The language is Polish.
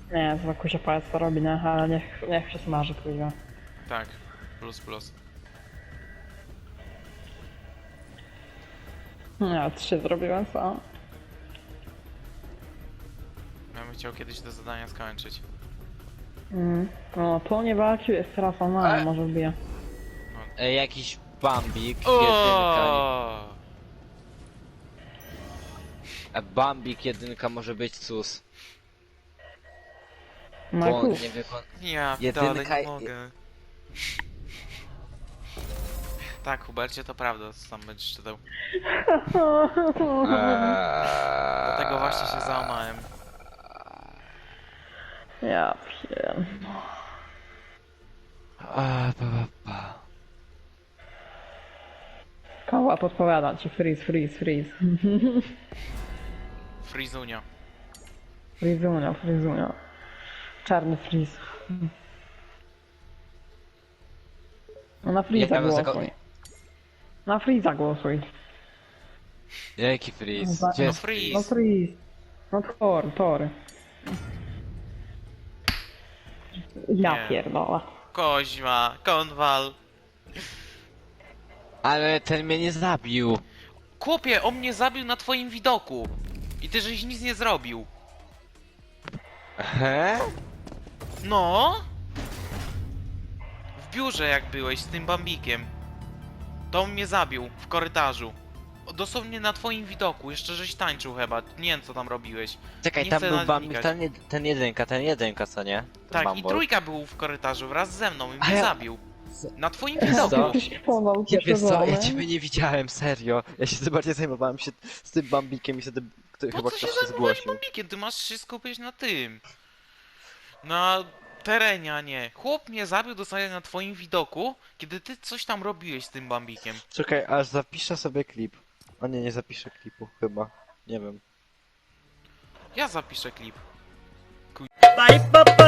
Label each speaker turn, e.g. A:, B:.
A: Nie, to kusia palec to robi, nie? Ale niech się smaży, kuźwa.
B: Tak, plus plus.
A: Ja 3 zrobiłem, co?
B: Ja bym chciał kiedyś te zadania skończyć.
A: No, to nie walczył, jest teraz ona, może wbije.
C: Jakiś Bambik, jedynka.
B: O!
C: Bambik jedynka może być sus.
A: No
C: Bo on
A: kurde.
C: nie wykon...
B: Ja
C: Jedynka
B: dalej
C: i-
B: nie mogę. Tak, Hubercie, to prawda, co tam będziesz czytał. Dlatego właśnie się załamałem.
A: Ja wiem. Koła podpowiada ci, freeze, freeze, freeze.
B: Frizunia.
A: Frizunia, frizunia. Czarny freeze. No na freeza
C: Ja bym
A: głosuj. Na freeza głosuj.
C: Jaki freeze?
A: No
C: Gdzie
B: No
C: jest
B: freeze.
A: No freeze. No tor. Ja
B: Nie.
A: pierdolę.
B: Koźma, konwal.
C: Ale ten mnie nie zabił.
B: Chłopie, on mnie zabił na twoim widoku. I ty żeś nic nie zrobił.
C: He?
B: No? W biurze jak byłeś z tym Bambikiem. To on mnie zabił w korytarzu. Dosłownie na twoim widoku, jeszcze żeś tańczył chyba. Nie wiem co tam robiłeś.
C: Czekaj,
B: Nie
C: tam
B: chcę
C: był
B: nawet
C: Bambik,
B: wnikać.
C: ten jedynka, co nie? Ten
B: Tak, i
C: Bumble.
B: trójka był w korytarzu wraz ze mną i
C: A
B: mnie
C: ja-
B: zabił. Na twoim
C: Co?
B: widoku.
A: Ty śpiewał,
C: Ja wiesz co, ja ciebie nie widziałem, serio. Ja się za bardziej zajmowałem się z tym Bambikiem i wtedy
B: Po
C: chyba
B: co się
C: ktoś się
B: zajmowałeś
C: zgłosił.
B: Bambikiem? Ty masz się skupić na tym. Na terenie, a nie. Chłop mnie zabił dosłownie na twoim widoku, kiedy ty coś tam robiłeś z tym Bambikiem.
C: Czekaj, aż zapiszę sobie klip. O nie zapiszę klipu, chyba. Nie wiem.
B: Ja zapiszę klip.
D: Bye, bye, bye.